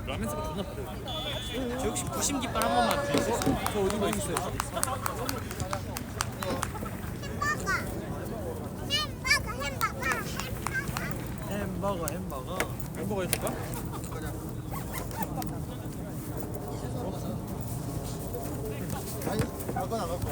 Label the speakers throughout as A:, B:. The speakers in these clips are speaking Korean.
A: 라면스가 존나 빠르네.
B: 저 혹시 부심 깃발 한 번만 주세요.
A: 저 어디가 있어요? 햄버거 해줄까?
C: 아니, 아까 나갔고.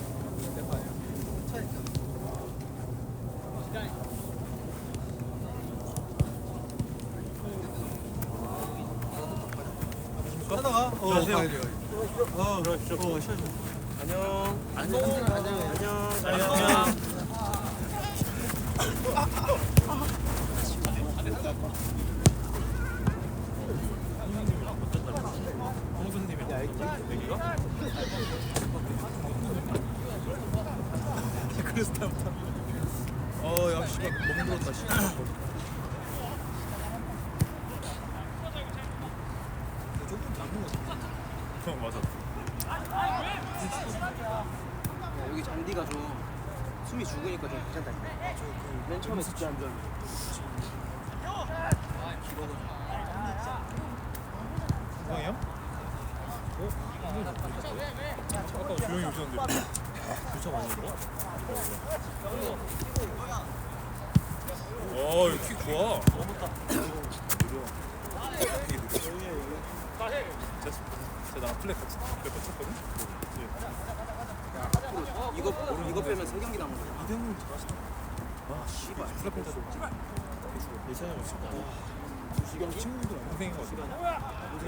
A: 하다가
C: 안녕하세요.
B: 안녕.
A: 홍수님이 내기가? 그래서 다음부터 야 씨발 너무 물었다 씨발. 조금 잡은 거 같아. 맞아.
D: 여기 잔디가 좀 숨이 죽으니까 좀 괜찮다. 맨 처음에 진짜 안 좋아.
A: 건강해요? 아까 조용히 오셨는데 교차 많이 했어? 이거 킥 좋아. 제가 나랑 플랫 같이 몇번 쳤거든?
D: 이거 빼면 3경기 남은 거야.
A: 이대훈 잘하시다. 아 씨발 플랫 펜타도 예찬이가 친구
D: 지경기?
A: 친구들 동생인 거 같아.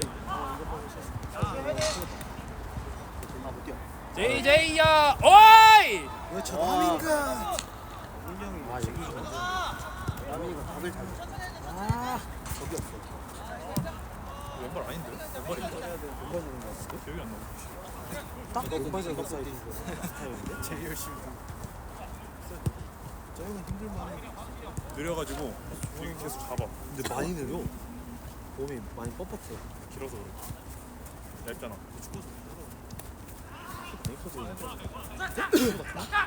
D: 못 뛰어.
B: JJ야, 어이!
C: 왜 저놈인가?
D: 아, 여기 라민이가 각을 잘 줬어. 저기 없어.
A: 왼발 아닌데? 왼발인가?
D: 왼발 주는 거 같아.
A: 기억이 안 나.
D: 딱 왼발전 그 사이즈.
C: 제일 열심히. 저 형은 힘들만.
A: 느려가지고 여기 계속 잡아.
C: 근데 많이 느려. 몸이 많이 뻣뻣해.
A: 길어서 그래. 얇잖아.
C: 많이 커져 있는데.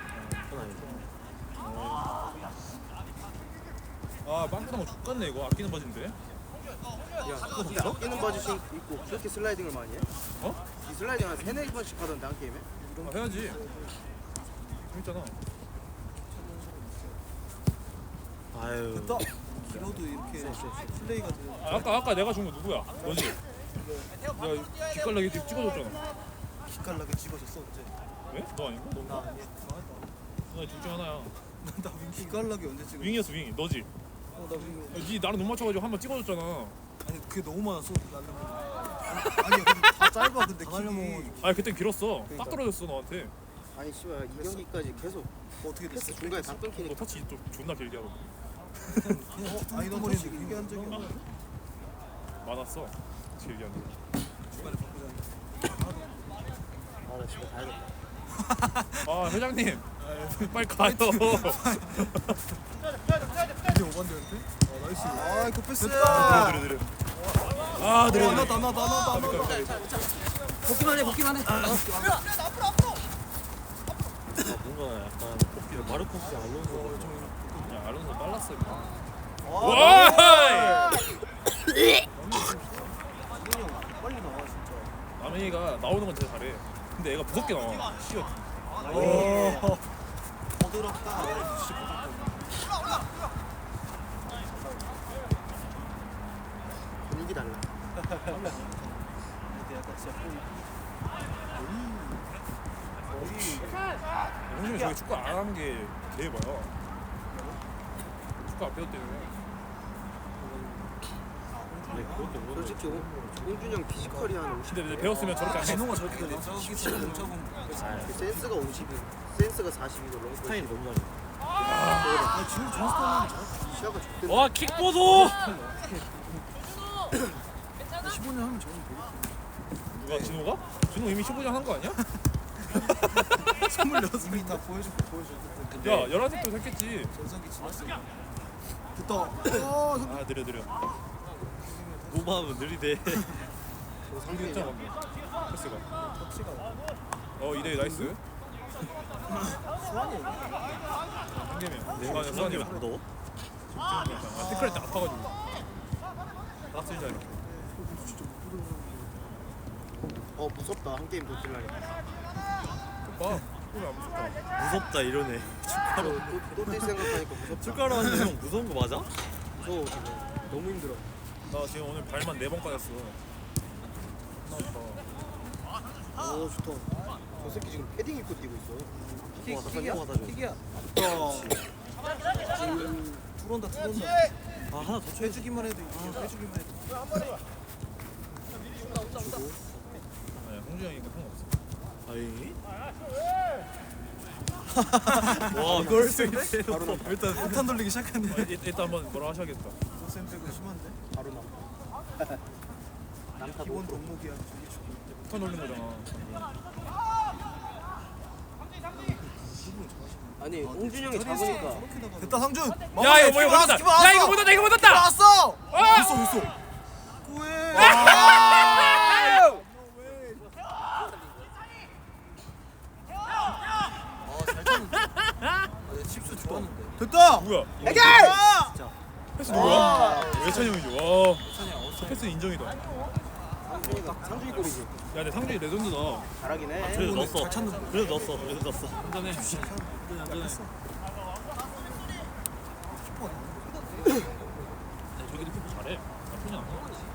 A: 아 빵꾸난 거 죽겠네 이거. 아끼는 바지인데.
D: 야, 아끼는 바지 입고 그렇게 슬라이딩을 많이 해?
A: 어?
D: 이 슬라이딩 한 3-4번씩 하던데 한 게임에?
A: 아, 해야지. 재밌잖아.
C: 아유. 됐다. 길어도 이렇게 플레이가 돼.
A: 아까 내가 준 거 누구야? 너지? 야 뒷갈라기 찍어줬잖아.
C: 기깔나게 집어줬어 언제?
A: 왜? 너 아닌가?
C: 나 아니야.
A: 너둘중 하나야.
C: 나 기깔나게 언제 찍어?
A: 윙이었어 윙이. 너지?
C: 나 윙.
A: 니 나랑 눈 맞춰가지고 한 번 찍어줬잖아.
C: 아니 그게 너무 많았어. 아니 근데 다 짧아 근데 킥이.
A: 아니 그땐 길었어.
C: 그러니까.
A: 딱 떨어졌어 너한테.
D: 아니 씨발 이 경기까지 계속
C: 어떻게
D: 패스
C: 됐어?
D: 중간에 다
A: 너
D: 끊기니까.
A: 터치 또 존나 길게 하고.
C: 그냥 아니 너 머리인데 길게 한 적이 없어.
A: 많았어. 길게 하는 거.
C: 중간에 바꾸자.
D: 아나 집에 가야겠다.
A: 아 회장님 빨리 가요.
C: 이제 오반데한테? 아 나이스. 아 이거 패스.
A: 느려. 아 느려.
C: 나나.
D: 복귀만 해.
C: 뭔가 약간 마르코스 알론소
A: 야 알론소 빨랐어.
C: 와!
A: 와!
C: 빨리 나와 진짜.
A: 남이가 나오는 건 진짜 잘해. 근데 애가 무섭게 나와. 쉬어.
C: 오. 부드럽다.
D: 분위기 달라.
C: 근데 약간 진짜
A: 형님이 저기 축구 안 하는 게 대박이야. 축구 안 배웠대요.
D: 솔직히 홍준영 피지컬이 한 50.
A: 근데 배웠으면 저렇게 안 해.
C: 진호가 저렇게 되네. 저기 뭉쳐본
D: 센스가 50이고 센스가 40이고 롱 스타일 너무 잘해.
C: 아 진호 전스타는
D: 시야가 좋대.
B: 와, 킥보도!
C: 15년 하면 저는
A: 누가 진호가? 진호 이미 15장 한 거 아니야?
C: 26명이 다 보여줬을 텐데.
A: 야 11살 도 했겠지.
C: 전성기 지났어. 됐다.
A: 아 느려.
C: 노마하면 느리대.
A: 상대 했잖아 방금. 패스가.
C: 터치가
A: 2대2 나이스.
C: 수환이
A: 한 개면. 수환이면
C: 너?
A: 아 태클할 때 아파가지고. 낙슬자 이렇게.
C: 진짜 못 보던
D: 무섭다. 한 게임 더 뛸라니.
A: 봐. 그게 안 무섭다.
E: 무섭다 이러네.
D: 또뛸 생각하니까 무섭다.
E: 축가로 하는데 형 무서운 거 맞아?
D: 무서워 지금. 너무 힘들어.
A: 나 지금 오늘 발만 4번 까였어. 나왔다.
D: 오 좋다. 저 새끼 지금 패딩 입고 뛰고 있어.
E: 킥이야?
C: 킥이야. 지금 들어온다.
E: 아 하나 더 쳐야지.
C: 빼주기만 해도 이겨. 빼주기만 해도.
A: 아니 홍준이 형이니까 상관없어.
E: 아이. 와 이걸
C: 바로 나. 일단 폭탄 돌리기 시작했네.
A: 일단 한번 뭐라 하셔야겠다.
C: 쌤 빼고 심한데?
D: 바로 나. 남타
C: 기본
D: 못
C: 덕목이야. 저기 저기.
A: 폭탄 올린 거잖아.
D: 아니 홍준이 형이
C: 저리
D: 잡으니까
C: 저렇게 나가. 됐다 상준.
B: 야 이거 못 떴다. 야 이거 못 떴다. 이거 못 떴다.
C: 왔어. 있어. 구해. 잘 쳤는데. 칩스 좋았는데. 됐다.
A: 뭐야?
D: 해결!
A: 패스 누구야? 외찬이 형이지. 와. 패스 인정이다.
D: 상준이 골이지.
A: 야 근데 상준이 레전드다.
D: 잘하긴 해.
E: 그래도 넣었어.
C: 잘 찼는데.
E: 그래도 넣었어.
B: 안전해.
A: 저기도 키퍼 잘해. 나쁘지 않아.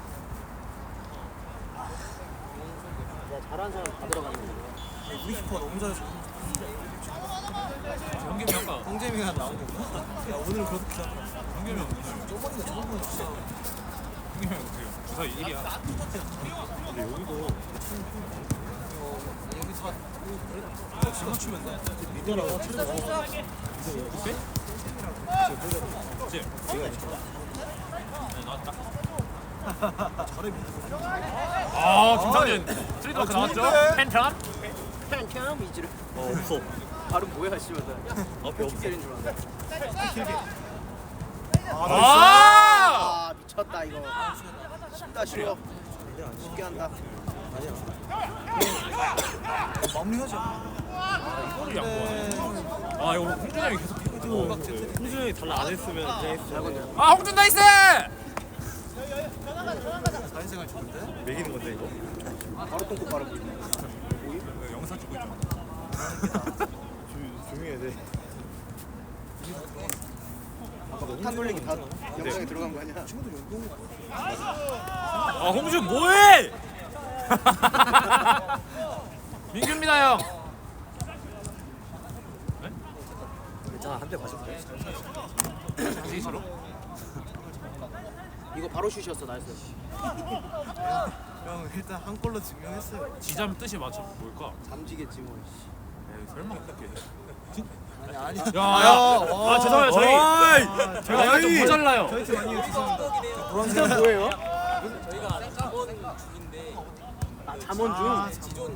D: 잘하는 사람 다 들어갔는데.
C: 우리 키퍼 너무 잘해서.
B: 경기면 아까
C: 홍재민이가 나온 건가? 야 오늘 그렇게 하더라.
A: 형겸이 형.
C: 저번에 진짜.
A: 형겸이 형 어떻게 주사 1이야.
E: 근데 여기도
C: 여기 다 지금 맞추면 돼.
E: 민규랑
A: 그치? 네, 나왔다.
C: 잘해 민규.
B: 아 김상진 트레이드마크 나왔죠? 팬텀.
D: 캔 이지를.
E: 없어.
D: 발음 뭐야 씨발.
E: 앞에 없어.
D: 축제인 줄 알았네.
B: 아.
D: 미쳤다 이거. 쉽다 쉬워. 쉽게 한다.
C: 마무리하지.
A: 이거를 양보하네. 아 이거 홍준이 형이 계속 키퍼 뛰고.
E: 홍준이 형이 달라 안 했으면 그냥 했어.
B: 아 홍준 나이스.
C: 사회생활 좋은데?
E: 매기는 건데 이거.
D: 바로 똥꼬 바로 보이네.
A: 영상 찍고 있잖아.
E: 조용히 해야 돼.
D: 아까 폭탄 돌리기 다 영상에 들어간 거 아니야?
C: 친구들 연동.
E: 아 홍준 뭐해?
B: 민규입니다 형.
E: 괜찮아 한 대 맞을게.
B: 자신 있어?
D: 이거 바로 슛이었어 나이스.
C: 형 일단 한 골로 증명했어요.
B: 지잠 뜻이 맞춰 뭘까?
D: 잠지겠지 뭐.
B: 에이, 설마 그렇게.
C: 아니.
B: 야. 아 죄송해요 저희. 제가 좀 모자라요.
C: 저희 팀 아니에요 죄송합니다.
D: 노란색 뭐예요? 잠원중.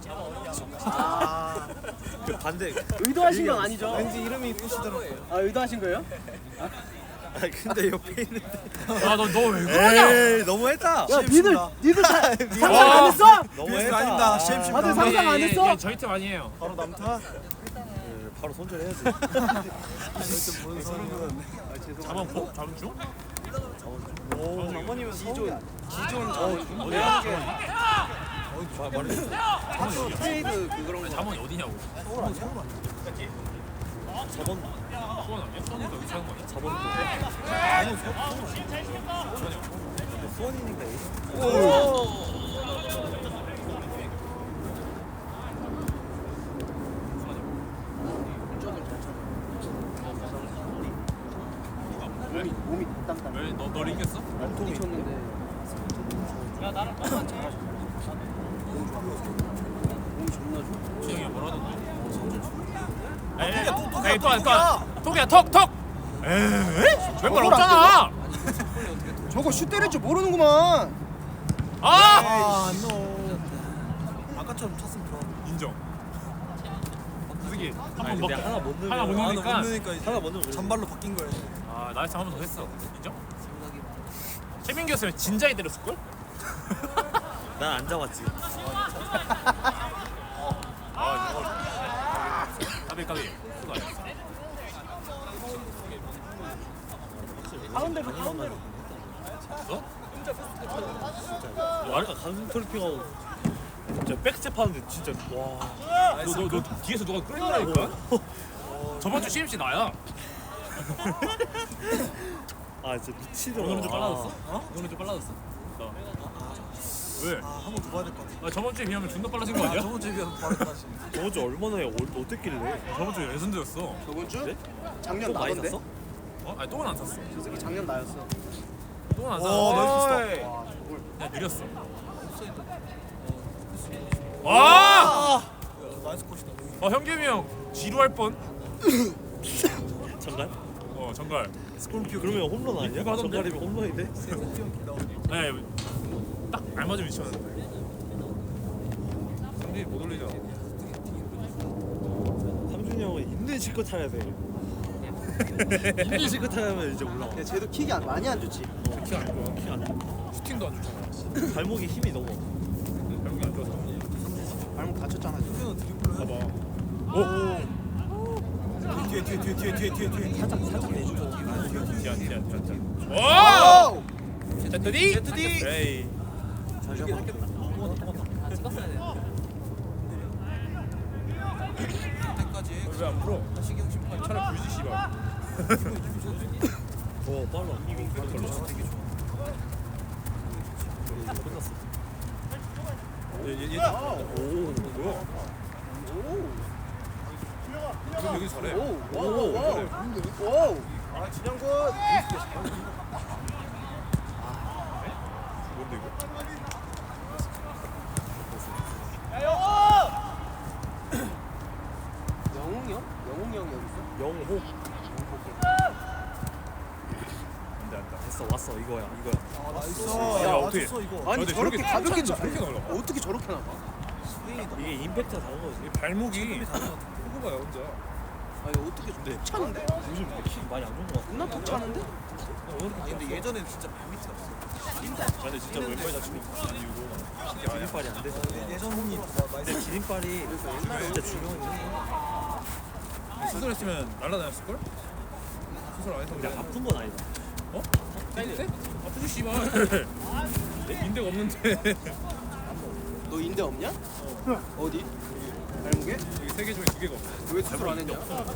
C: 아
E: 그 반대.
D: 의도하신 건 아니죠?
C: 왠지 이름이 이쁘시더라고요.
D: 아 의도하신 거예요?
E: 아 근데 옆에 있는데.
B: 야너왜 그러냐?
E: 에이 너무했다.
D: 야 니들 상상
B: 와.
D: 안 했어?
E: 너무했다.
C: 아닙니다. CMC
D: 다들 상상 안 했어?
B: 예, 저희 팀 아니에요.
C: 바로 남타.
E: 바로 손절해야지.
C: 뭔 소리는.
B: 자만 보 자만 중?
E: 오
C: 장모님은
D: 기존 자원중.
B: 어디야?
E: 말해.
D: 트레이드 그런 거.
B: 자만이 어디냐고?
C: 서울 아니야? 서울 아니야?
E: 4번
B: 수원 아니야? 수원이가 여기 사는 거 아니야?
E: 4번. 수원이니까
D: 몸이 땀땀.
B: 왜 너 이겼어?
D: 몸이 쳤는데. 야 나랑 똑같이 잘하셨어. 몸이 존나 좋아.
B: 준영이 뭐라 하던데?
C: 톡이야.
B: 톡이야 톡! 에이? 왼발 없잖아!
D: 저거 슛 때릴 줄 모르는구만.
B: 아!
C: 아 노. 아까처럼 찼으면 좋아.
A: 인정.
B: 그게
E: 아니 근데 하나 못 넣으면
B: 하나 못 넣으니까.
C: 못 넣으니까 이제
E: 하나 못 넣으면
C: 잔발로 바뀐 거야.
B: 아 나이스 한 번 더 했어. 인정? 최민규였으면 진작에 때렸을걸?
E: 난안 잡았지.
B: 까비 수가 아니었어.
D: 가운데로 가운데로.
B: 너?
E: 아까 가슴 트래핑하고 진짜 백스텝 하는데 진짜 와.
B: 너 뒤에서 누가 끌린다니까? 저번 주 CMC 나야.
E: 아 진짜 미치더라.
B: 오늘은 좀 빨라졌어? 오늘은 좀 빨라졌어? 왜?
C: 아, 한 번 더 봐야 될 것 같아.
B: 아, 저번 주에 비하면 존나 빨라진 거 아니야?
C: 저번 주에 비하면 빠르다 지금.
E: 저번 주 얼마나 어땠길래?
B: 저번 주에 레전드였어.
D: 저번 주?
E: 그래?
D: 작년
E: 또 많이
D: 나던데?
E: 샀어?
B: 어? 아니 똥은 안 샀어.
D: 저 새끼 작년 나였어.
B: 똥은 안
C: 오,
B: 샀어.
C: 나이스
D: 와 저걸.
B: 그냥 느렸어.
C: 아!
B: 와!
C: 나이스 컷이다.
B: 현겸이 형 지루할 뻔.
E: 정갈?
B: 정갈.
C: 스콜피오.
E: 그러면 홈런 아니야?
B: 이거 하던데?
E: 정갈이면 홈런인데?
C: 스콜피오 나오네.
B: 네, 딱 알맞은 위치였는데. 상진이 못 올리잖아.
E: 상준이 형은 있는 실컷 타야 돼. 있는 실컷 타야면 이제 올라와.
D: 야 쟤도 킥이 많이 안 좋지.
B: 키안 좋아.
E: 키 안 나.
B: 슈팅도 안 좋잖아.
E: 발목에 힘이 너무.
B: 발목이 안 좋아서.
D: 발목 다쳤잖아 지금.
C: 스콜피오는 드리블로 해.
B: 봐봐. 오!
C: 뒤에.
E: 살짝 내주고.
B: 디안. 오!
D: 오!
B: 제트디? 에이.
E: 잠시만.
B: 왜 안 풀어? 차라리 불지 씨발.
E: 빨라. 끝났어.
B: 얘
E: 오.
B: 뭐야? 그럼 여기 잘해.
D: 오! 아 진영군!
B: 뭔데 이거?
D: 영웅이 형? 영웅이 형이 여기 있어?
E: 영호.
B: 안돼.
E: 됐어 왔어 이거야.
C: 아, 나이스.
B: 야,
C: 야,
B: 어떻게.
C: 맞췄어 이거.
D: 아니
B: 근데
D: 저렇게 가볍게
B: 괜찮은데 저렇게 나올라.
D: 어떻게 저렇게 나가?
C: 스윙이다.
E: 이게 임팩트가 다른 거지.
B: 이 발목이 호구가야 혼자.
D: 아니 어떻게 툭 차는데?
E: 요즘 키 많이 안 좋은 거 같아.
D: 존나 툭 차는데?
C: 아, 근데 예전엔 진짜 발밑이었어.
E: 근데 진짜 왼발 다치고 이유고 기린발이 안 돼서.
C: 예전 홈이
E: 근데
C: 나이스.
E: 기린발이 진짜 중요한 게
B: 수술했으면 날라다녔을 걸? 수술 안 해서
E: 근데
B: 그래.
E: 아픈 건 아니다.
B: 어? 인대? 아프지 씨발. 인대가 없는데.
D: 너 인대 없냐? 어디? 발목에?
B: 여기 3개 중에 2개가 없어.
D: 왜 수술 안 했냐?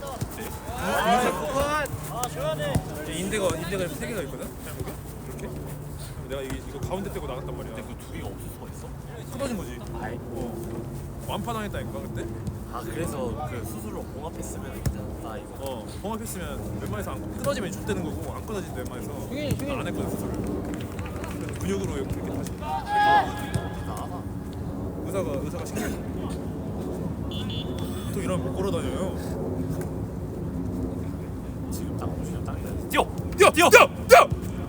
B: 인대가 3개가 있거든. 발목에. 이렇게. 내가 이거 가운데 빼고 나갔단 말이야.
E: 근데 그 두 개가 없을 수가 있어?
B: 끊어진 거지.
E: 아이.
B: 완판당했다니까 그때.
E: 아 그래서 그 수술로 봉합했으면 괜찮다 이거.
B: 봉합했으면 웬만해서 안 끊어지면 족되는 거고 안 끊어진다 웬만해서.
D: 형이
B: 안 했거든 수술을. 그래서 근육으로 이렇게 다시.
E: 나가.
B: 의사가 신기해. 또 이러면 못 걸어다녀요.
E: 지금 딱 보시면 딱이다.
B: 뛰어!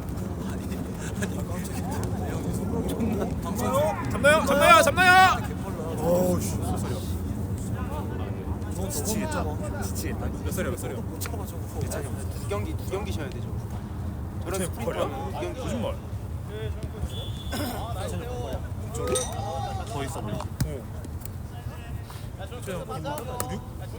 B: 잡나요?
C: 어우 씨.
B: 몇 살이야?
E: 지치겠다.
B: 몇 살이야?
C: 못 참아 저거.
D: 두 경기 쉬어야 되죠. 저런
B: 쟤
D: 스프린트
B: 폭발이야?
D: 하면 두 경기
B: 거짓말.
E: 더 있어 보이지.
B: 쟤 96?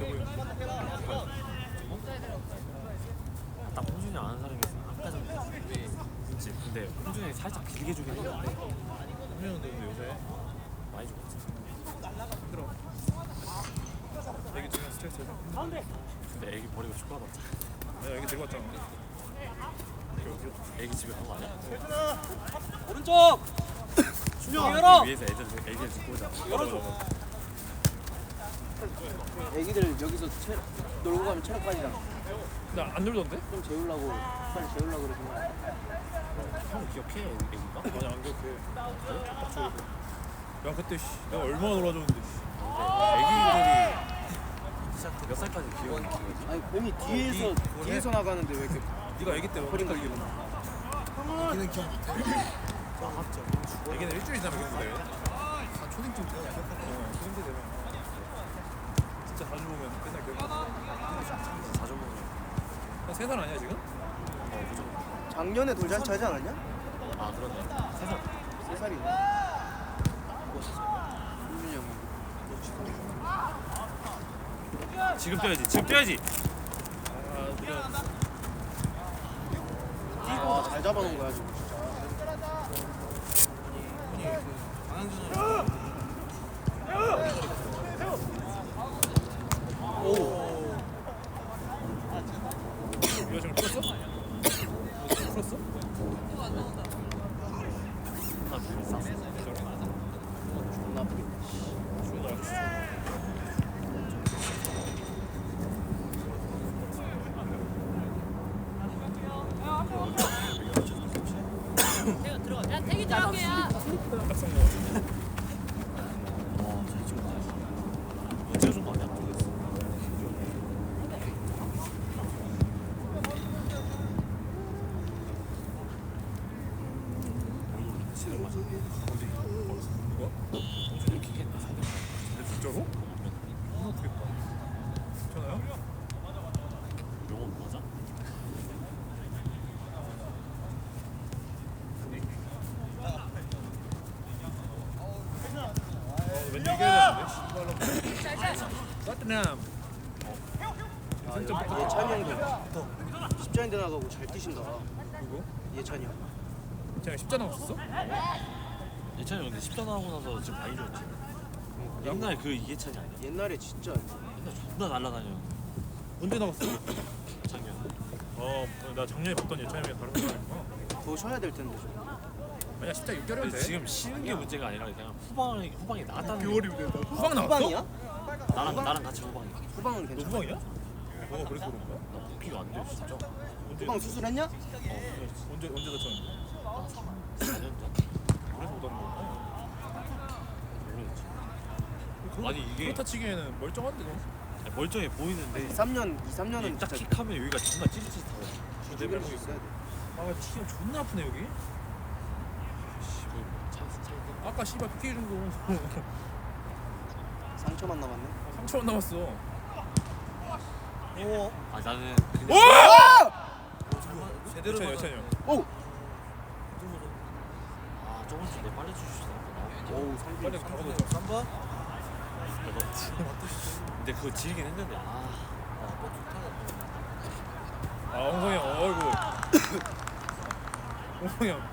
E: 딱 홍준이 아는 사람이 있으면 아까 전에 그치. 근데 홍준이 살짝 길게 주긴 했는데
B: 근데 요새
E: 많이 죽었지.
B: 힘들어. 애기 중에 스트레스 해서.
E: 근데 애기 버리고 축구하다 왔잖아.
B: 내가 애기 데리고 왔잖아.
E: 애기 집에 간 거 아니야?
D: 오른쪽!
E: 준영 위에서 애기를 듣고 오자.
D: 애기들 여기서 놀고 가면 체력 빠지잖아.
B: 근데 안 놀던데?
D: 좀 재우려고 빨리 재우려고 그러지.
E: 형 기억해 애기가?
B: 아니 안 기억해. 야 그때 내가 얼마나 놀아줬는데.
E: 애기들이 몇 살까지 기억이
D: 아니 공이 뒤에서 나가는데 왜 이렇게
B: 네가 애기 때
D: 버린
B: 어떻게
D: 거지?
C: 여기는 기억 못해. 맞죠.
B: 애기는 일주일 지나면 기억돼.
C: 아, 초딩쯤 돼야 기억할 거야.
B: 그런데 되면 진짜 자주 보면 맨날 기억나.
E: 자주 보면
B: 한 3살 아니야 지금?
E: 무조건.
D: 작년에 돌잔치 하지 않았냐?
E: 아 그러네. 3살.
D: 3살이네. 홍준이 형.
E: 지금 뛰어야지.
D: 아, 잘 잡아놓은 거야 지금 진짜.
C: 장항준은
B: 이거 지금 풀었어? 이거 지금 풀었어?
D: 존나 아프겠다.
F: 야 태기 들어가게야.
B: 딱성 거.
E: 와잘 찍었다. 이거 찍어준 거 아니야? 모르겠어. 지금 맞아.
B: 누가?
E: 동준이 킥했나?
B: 근데 진짜로? 너무 아프겠다. 괜찮아요?
E: 영어 맞아?
B: 왠지 이겨야 되는데. 토트넘.
D: 예찬이 형도 십자인대 나가고 잘 뛰신다.
B: 누구?
D: 예찬이 형.
B: 제가 십자 나왔었어?
E: 예찬이 근데 10단 하고 나서 지금 많이 좋았지. 옛날 그 이해찬이 아니야?
D: 옛날에 진짜
E: 옛날 존나 날라다녀.
B: 언제 나왔어?
E: 작년.
B: 나 작년에 봤던 예찬이랑 다른 거구나.
D: 더 쉬어야 될 텐데 좀.
B: 아니야 십자 6개월이면 돼.
E: 지금 쉬는 게 문제가 아니라 그냥 후방에 나갔다는 게
B: 후방 나왔어?
D: 후방이야?
E: 나랑 같이 후방이.
D: 후방은
B: 너
D: 괜찮아.
B: 후방이야? 그래서 그런 거야?
E: 나 복귀가 안 돼, 진짜.
B: 언제
D: 후방 수술했냐?
B: 언제 다쳤는데?
E: 4년 전?
B: 그래서 못 하는 거야?
E: 모르겠지. 아니 이게
B: 그렇다 치기에는 멀쩡한데 너?
E: 멀쩡해 보이는데
D: 3년, 2, 3년은
E: 딱
D: 진짜
E: 킥하면 여기가 존나 찌릿찌릿하고.
D: 죽일 수 있어야 돼.
B: 아 치기가 존나 아프네 여기. 아까 씨발 PK 준 거.
D: 상처만 남았네.
B: 3초만 남았어.
C: 오
E: 아 나는
B: 오!
E: 그냥
C: 제대로
B: 예찬이 형.
D: 오!
E: 아 저번 주에 빨리 주시다.
D: 오우 상빈.
B: 빨리 다 걷어줘.
C: 3번
E: 근데 그거 지르긴 했는데
B: 아 홍성이 형. 어이구. 홍성이 형.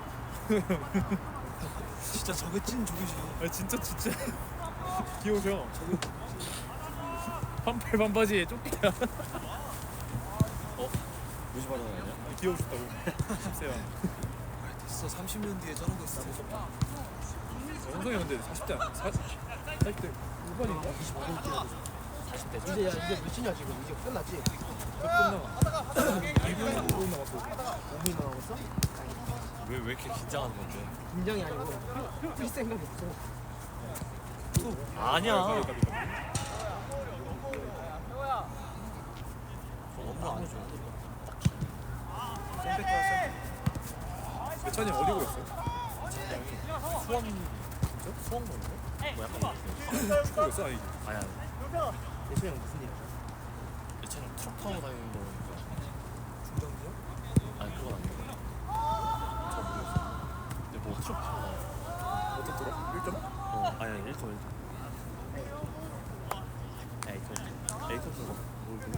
C: 진짜 저게 찐 조기지.
B: 아 진짜 귀여우셔. 반팔 반바지에 쪼끼야.
E: 무시 받아야
B: 귀여우셨다고. 10세야.
C: 됐어 30년 뒤에 저런 거 있어.
B: 홍성이 근데 40대 40대 5번인가?
C: 25번 뛰어야 돼.
E: 40대
D: 이제 이제 몇이냐 지금? 이제 끝났지?
B: 몇 남아? 2분 남았어.
D: 5분 남았어?
E: 왜 이렇게 긴장하는 건데?
D: 긴장이 아니고 뛸 생각이 없어.
E: 아니야.
B: 가비.
E: 너무 안 해줘.
B: 예찬이 형 어디 보였어?
E: 수원 수원 건데? 뭐 약간
B: 축구였어? 아니
E: 아니야.
D: 예찬이 형 무슨 일이야?
E: 예찬이 트럭 타고 다니는 거 보니까
C: 중장기야?
E: 아니 그건 아니고 잘 모르겠어. 근데 뭐 트럭 타고 다녀.
B: 어떤 들어? 1점?
E: 아니 1톤. 에이톤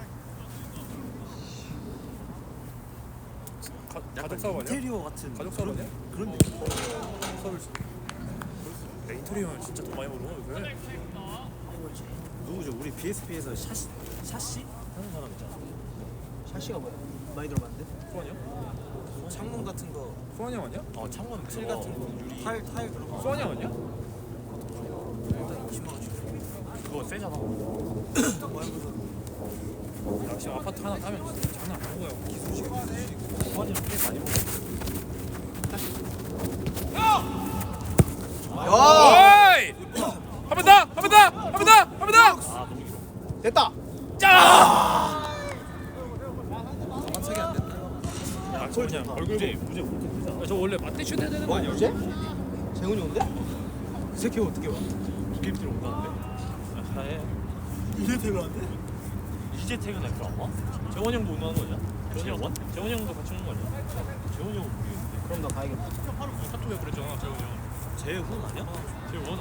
B: 가족 사업 아니야?
E: 인테리어 같은
B: 가족 사업 아니야?
E: 그런 느낌.
B: 서울시. 레이토리 형은 진짜 돈 많이 벌어 요새.
E: 누구죠? 우리 BSP에서 샤시 하는 사람 있잖아.
D: 샤시가 뭐야? 많이 들어봤는데?
B: 수환이 형?
C: 창문 같은 거
B: 수환이 형 아니야?
E: 창문
C: 틀
E: 그거
C: 같은 거
E: 유리
C: 타일 그런 거
B: 수환이 형 아니야?
C: 일단 20만 원 주고.
E: 그거 세잖아.
C: 일단 뭐 해보자.
B: 야 지금 아파트 하나 따면 진짜 장난 아닌 거야.
E: 수환이랑 꽤 많이 먹어.
B: 오이! 한 번 더! 한 번 더! 한 번 더! 한 번 더!
E: 아 너무 길어.
D: 됐다!
B: 짜!
C: 가만차게 안 됐다.
B: 야, 저 그냥 얼굴
E: 무제
B: 보고.
E: 무제 못해.
B: 야, 저 원래 맞대슛 해야 되는 거 아니야?
D: 어제? 재훈이 온대? 그 새끼 어떻게 와?
E: 게임들 온다는데? 아예
C: 이제 퇴근한대?
E: 이제 퇴근할 거안 와? 재원 형도 온다는 거 아니야? 재원? 재원 형도 같이 오는 거 아니야? 재원 형은 모르겠는데.
D: 그럼 나 가야겠다.
B: 카톡에 그랬잖아 재훈이 형.
E: 재훈 아니야?
B: 재훈?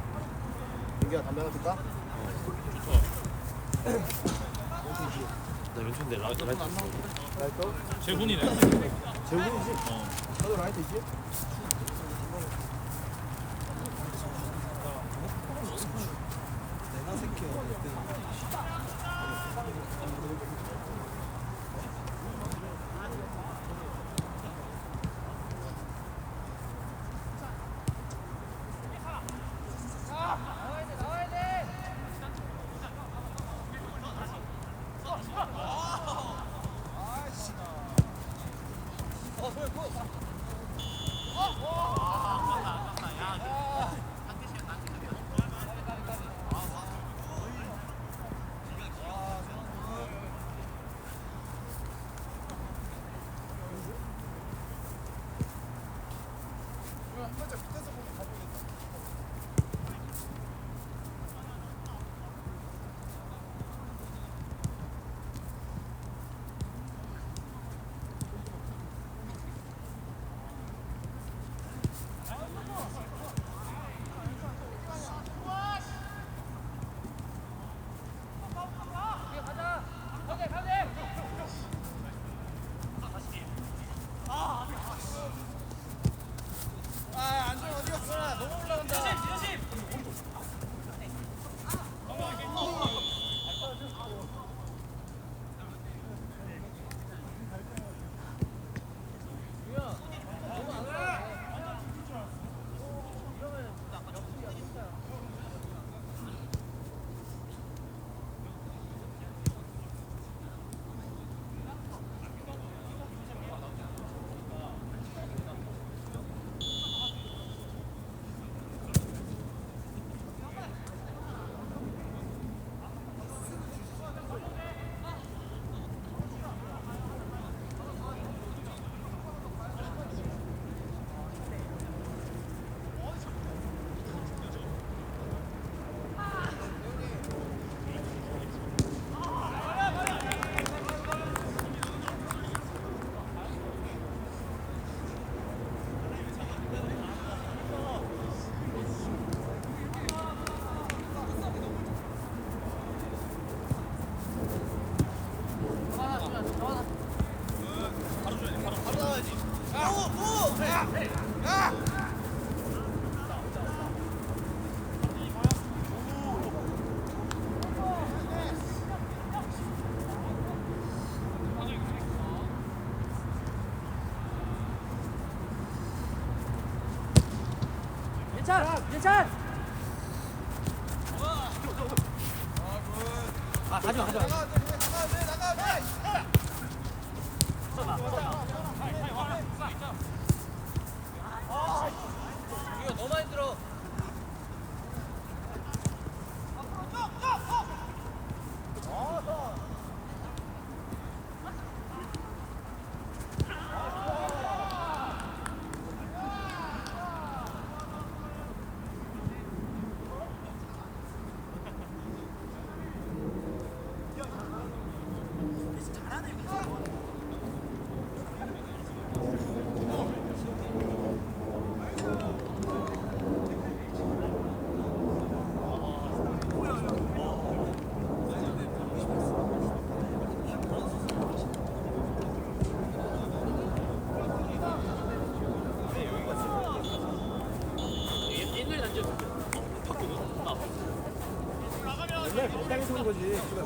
D: 민규야 담배 하나 필까?
B: 좋다.
D: 어디지?
E: 나 연초인데 라이트
C: 안 나왔는데.
E: 재훈이네.
C: 재훈이지? 나도 라이트 있지? 내가 새끼야.
F: 괜찮.
D: 아 가져와 가져와.
F: 나가.